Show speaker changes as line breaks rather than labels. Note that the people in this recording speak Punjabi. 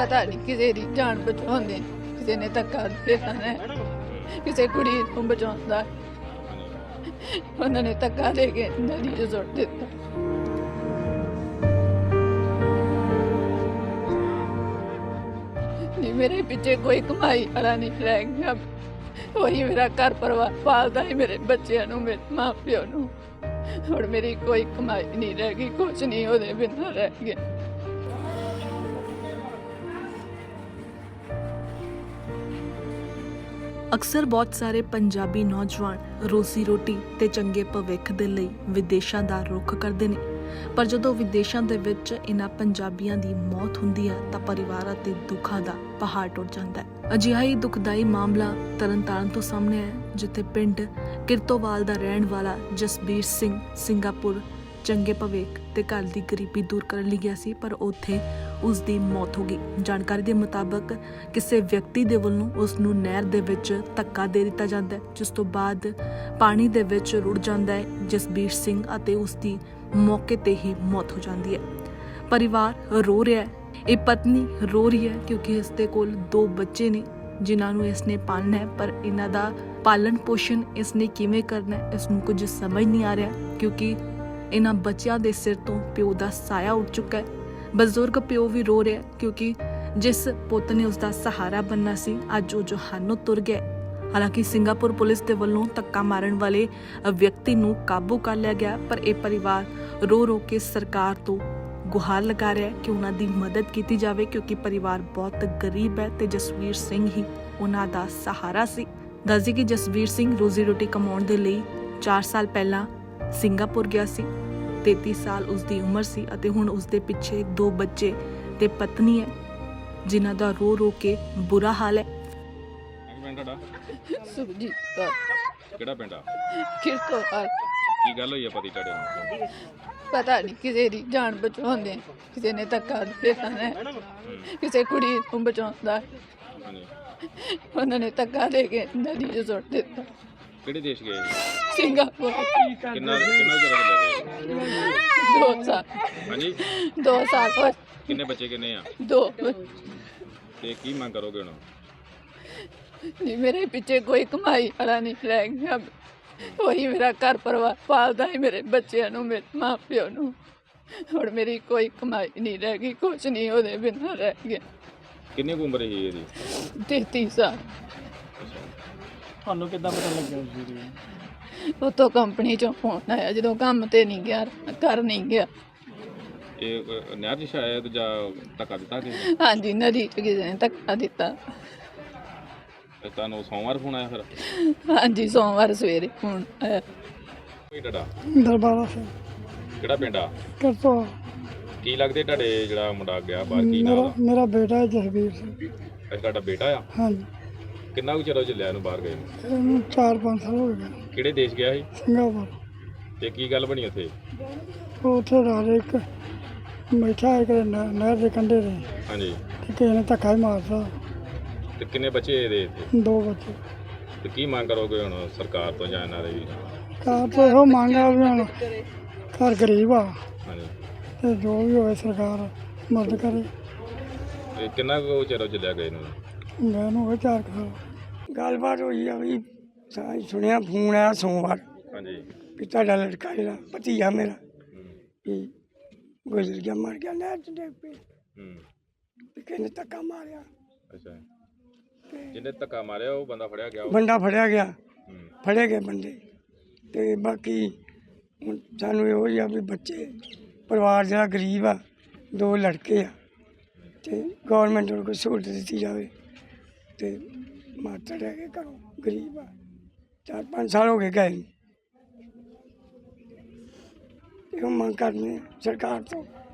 पता नहीं किसी की जान बचाने किसी ने धक्का देना है किसी कुड़ी को बचाता उन्होंने धक्का दे के नदी च सुट दिता। नहीं मेरे पीछे कोई कमाई वाला नहीं रह गया। वही मेरा घर परिवार पालता है मेरे बच्चों को मेरे माँ प्यो को और मेरी कोई कमाई नहीं रह गई कुछ नहीं वो बिना रह गया।
ਅਕਸਰ ਬਹੁਤ ਸਾਰੇ ਪੰਜਾਬੀ ਨੌਜਵਾਨ ਰੋਜ਼ੀ ਰੋਟੀ ਤੇ ਚੰਗੇ ਭਵਿੱਖ ਦੇ ਲਈ ਵਿਦੇਸ਼ਾਂ ਦਾ ਰੁਖ ਕਰਦੇ ਨੇ, ਪਰ ਜਦੋਂ ਵਿਦੇਸ਼ਾਂ ਦੇ ਵਿੱਚ ਇਹਨਾਂ ਪੰਜਾਬੀਆਂ ਦੀ ਮੌਤ ਹੁੰਦੀ ਹੈ ਤਾਂ ਪਰਿਵਾਰਾਂ ਤੇ ਦੁੱਖਾਂ ਦਾ ਪਹਾੜ ਟੁੱਟ ਜਾਂਦਾ ਹੈ। ਅਜਿਹਾ ਹੀ ਦੁਖਦਾਈ ਮਾਮਲਾ ਤਰਨਤਾਰਨ ਤੋਂ ਸਾਹਮਣੇ ਆਇਆ, ਜਿੱਥੇ ਪਿੰਡ ਕਿਰਤੋਵਾਲ ਦਾ ਰਹਿਣ ਵਾਲਾ ਜਸਬੀਰ ਸਿੰਘ ਸਿੰਗਾਪੁਰ ਚੰਗੇ ਭਵਿੱਖ ਤੇ ਘਰ ਦੀ ਗਰੀਬੀ ਦੂਰ ਕਰਨ ਲਈ ਗਿਆ ਸੀ, ਪਰ ਉੱਥੇ ਉਸ ਦੀ ਮੌਤ ਹੋ ਗਈ। ਜਾਣਕਾਰੀ ਦੇ ਮੁਤਾਬਕ ਕਿਸੇ ਵਿਅਕਤੀ ਦੇ ਵੱਲੋਂ ਉਸ ਨੂੰ ਨਹਿਰ ਦੇ ਵਿੱਚ ਧੱਕਾ ਦੇ ਦਿੱਤਾ ਜਾਂਦਾ ਹੈ, ਜਿਸ ਤੋਂ ਬਾਅਦ ਪਾਣੀ ਦੇ ਵਿੱਚ ਰੁੜ ਜਾਂਦਾ ਹੈ ਜਸਬੀਰ ਸਿੰਘ ਅਤੇ ਉਸ ਦੀ ਮੌਕੇ ਤੇ ਹੀ ਮੌਤ ਹੋ ਜਾਂਦੀ ਹੈ। ਪਰਿਵਾਰ ਰੋ ਰਿਹਾ ਹੈ, ਇਹ ਪਤਨੀ ਰੋ ਰਹੀ ਹੈ ਕਿਉਂਕਿ ਇਸ ਦੇ ਕੋਲ 2 ਬੱਚੇ ਨੇ ਜਿਨ੍ਹਾਂ ਨੂੰ ਇਸਨੇ ਪਾਲਣਾ ਹੈ, ਪਰ ਇਹਨਾਂ ਦਾ ਪਾਲਣ ਪੋਸ਼ਣ ਇਸਨੇ ਕਿਵੇਂ ਕਰਨਾ ਹੈ ਇਸ ਨੂੰ ਕੁਝ ਸਮਝ ਨਹੀਂ ਆ ਰਿਹਾ, ਕਿਉਂਕਿ ਇਹਨਾਂ ਬੱਚਿਆਂ ਦੇ ਸਿਰ ਤੋਂ ਪਿਓ ਦਾ ਸਾਇਆ ਉੱਡ ਚੁੱਕਾ ਹੈ। ਬਜ਼ੁਰਗ ਪਿਓ ਵੀ ਰੋ ਰਿਹਾ ਕਿਉਂਕਿ ਜਿਸ ਪੁੱਤ ਨੇ ਉਸ ਦਾ ਸਹਾਰਾ ਬਣਨਾ ਸੀ ਅੱਜ ਉਹ ਜਹਾਨੋਂ ਤੁਰ ਗਿਆ। ਹਾਲਾਂਕਿ ਸਿੰਗਾਪੁਰ ਪੁਲਿਸ ਦੇ ਵੱਲੋਂ ਧੱਕਾ ਮਾਰਨ ਵਾਲੇ ਵਿਅਕਤੀ ਨੂੰ ਕਾਬੂ ਕਰ ਲਿਆ ਗਿਆ, ਪਰ ਇਹ ਪਰਿਵਾਰ ਰੋ ਰੋ ਕੇ ਸਰਕਾਰ ਤੋਂ ਗੁਹਾਰ ਲਗਾ ਰਿਹਾ ਹੈ ਕਿ ਉਹਨਾਂ ਦੀ ਮਦਦ ਕੀਤੀ ਜਾਵੇ, ਕਿਉਂਕਿ ਪਰਿਵਾਰ ਬਹੁਤ ਗਰੀਬ ਹੈ ਤੇ ਜਸਵੀਰ ਸਿੰਘ ਹੀ ਉਹਨਾਂ ਦਾ ਸਹਾਰਾ ਸੀ। ਦੱਸਦੀ ਕਿ ਜਸਵੀਰ ਸਿੰਘ ਰੋਜ਼ੀ ਰੋਟੀ ਕਮਾਉਣ ਦੇ ਲਈ 4 ਸਾਲ ਪਹਿਲਾਂ ਸਿੰਗਾਪੁਰ ਗਿਆ ਸੀ। 33 ਸਾਲ ਉਸ ਦੀ ਉਮਰ ਸੀ ਅਤੇ ਹੁਣ ਉਸ ਦੇ ਪਿੱਛੇ 2 ਬੱਚੇ ਤੇ ਪਤਨੀ ਹੈ, ਜਿਨ੍ਹਾਂ ਦਾ ਰੋ ਰੋ ਕੇ ਬੁਰਾ ਹਾਲ ਹੈ।
ਸੁਖਜੀਤ ਕੌਰ।
ਕਿਹੜਾ ਪਿੰਡ ਆ?
ਕਿਰਤੋਵਾਲ।
ਕੀ ਗੱਲ ਹੋਈ ਆ ਪਤੀ ਤੁਹਾਡੇ ਨੂੰ?
पता नहीं किसी की जान बचाने किसी ने धक्का देना है किसी कुड़ी को बचाता उन्होंने धक्का दे के नदी च सुट दिता।
ਕਿਹੜੇ ਦੇਸ਼ ਗਏ?
सिंगापुर।
ਕਿੰਨਾ ਚਿਰ ਹੋ ਗਿਆ?
2 साल।
ਹਾਂਜੀ
2 साल और
ਕਿੰਨੇ ਬੱਚੇ ਕਿੰਨੇ ਆ
2।
ਤੇ ਕੀ ਮੰਗ ਕਰੋਗੇ ਹੁਣ?
नहीं मेरे पीछे कोई कमाई वाला नहीं रह गया। वही मेरा घर परिवार पालता है मेरे बच्चों को मेरे माँ प्यो को और मेरी कोई कमाई नहीं रह गई कुछ नहीं वो बिना रह गया।
ਕਿੰਨੀ ਕੁ ਉਮਰ ਸੀ ਇਹਦੀ?
33 साल।
ਤੁਹਾਨੂੰ ਕਿੱਦਾਂ ਪਤਾ ਲੱਗਿਆ ਉਸ ਦੀ?
उतो कंपनी चो फोन आया जो काम ते नहीं गया घर नहीं गया।
ਇਹ ਨਹਿਰ 'ਚ ਸ਼ਾਇਦ ਜਾਂ ਧੱਕਾ ਦਿੱਤਾ ਕਿ
हाँ जी नदी च किसी ने धक्का दिता।
ਤੁਹਾਨੂੰ ਸੋਮਵਾਰ ਫੋਨ ਆਇਆ ਫਿਰ?
हाँ जी सोमवार सवेरे फोन आया।
ਕੋਈ ਤੁਹਾਡਾ
ਦਰਬਾਰਾ ਸਿੰਘ
ਕਿਹੜਾ ਪਿੰਡ ਆ?
ਕਰਤੋ।
ਕੀ ਲੱਗਦੇ ਤੁਹਾਡੇ ਜਿਹੜਾ ਮੁੰਡਾ ਗਿਆ ਬਾਹਰ, ਕੀ ਨਾਮ ਆ?
ਮੇਰਾ ਬੇਟਾ ਹੈ ਜਸਬੀਰ ਸਿੰਘ।
ਅੱਛਾ ਤੁਹਾਡਾ ਬੇਟਾ ਆ?
ਹਾਂਜੀ
ਕਿੰਨਾ ਕੁ ਚਿਰ ਹੋ ਚੱਲਿਆ ਇਹਨੂੰ ਬਾਹਰ ਗਏ ਨੂੰ?
ਇਹਨੂੰ 4-5 ਸਾਲ ਹੋ ਗਏ।
ਕਿਹੜੇ ਦੇਸ਼ ਗਿਆ ਸੀ
ਸਿੰਗਾਪੁਰ।
ਤੇ ਕੀ ਗੱਲ ਬਣੀ ਉੱਥੇ?
ਉਹ ਉੱਥੇ ਰਾਤ ਇੱਕ ਬੈਠਾ ਇੱਕ ਨਹਿਰ ਦੇ ਕੰਢੇ ਤੇ
ਹਾਂਜੀ
ਤੇ ਕਿਸੇ ਨੇ ਧੱਕਾ ਹੀ ਮਾਰਤਾ।
ਤੇ ਕਿੰਨੇ ਬੱਚੇ ਇਹਦੇ ਇੱਥੇ?
2 ਬੱਚੇ।
ਤੇ ਕੀ ਮੰਗ ਕਰੋਗੇ ਹੁਣ ਸਰਕਾਰ ਤੋਂ ਜਾਂ ਇਹਨਾਂ ਦੇ ਵੀ?
ਕਾਰ ਤੋਂ ਇਹੋ ਮੰਗ ਆ ਵੀ ਹੁਣ ਘਰ ਗਰੀਬ ਆ
ਹਾਂਜੀ
ਤੇ ਜੋ ਵੀ ਹੋਵੇ ਸਰਕਾਰ ਮਦਦ ਕਰੇ।
ਇਹ ਕਿੰਨਾ ਕੁ ਚਿਰ ਹੋ ਚੱਲਿਆ ਗਏ ਨੂੰ?
ਮੈਂ ਨੂੰ ਹੋਵੇ 4 ਸਾਲ। ਗੱਲਬਾਤ ਹੋਈ ਆ ਵੀ ਸੁਣਿਆ ਫੋਨ ਆਇਆ ਸੋਮਵਾਰ
ਹਾਂਜੀ
ਵੀ ਤੁਹਾਡਾ ਲੜਕਾ ਜਿਹੜਾ ਭਤੀਜਾ ਮੇਰਾ ਵੀ ਗੁਜ਼ਰ ਗਿਆ, ਮਰ ਗਿਆ ਨਹਿਰ 'ਚ ਡਿੱਗ ਪਈ ਵੀ ਕਿਸੇ ਨੇ ਧੱਕਾ ਮਾਰਿਆ
ਅੱਛਾ
ਤੇ
ਜਿਹਨੇ ਧੱਕਾ ਮਾਰਿਆ ਉਹ ਬੰਦਾ ਫੜਿਆ ਗਿਆ?
ਬੰਦਾ ਫੜਿਆ ਗਿਆ,
ਹੂੰ।
ਫੜੇ ਗਏ ਬੰਦੇ। ਤੇ ਬਾਕੀ ਹੁਣ ਸਾਨੂੰ ਇਹੋ ਹੀ ਆ ਵੀ ਬੱਚੇ ਪਰਿਵਾਰ ਜਿਹੜਾ ਗਰੀਬ ਆ 2 ਲੜਕੇ ਆ ਤੇ ਗੌਰਮੈਂਟ ਨੂੰ ਕੋਈ ਸਹੂਲਤ ਦਿੱਤੀ ਜਾਵੇ। ਤੇ ਮਾਤਾ ਰਹਿ ਕੇ ਘਰੋਂ ਗਰੀਬ ਆ 4-5 ਸਾਲ ਹੋ ਗਏ ਗਏ। ਇਹੋ ਮੰਗ ਕਰਨੀ ਸਰਕਾਰ ਤੋਂ।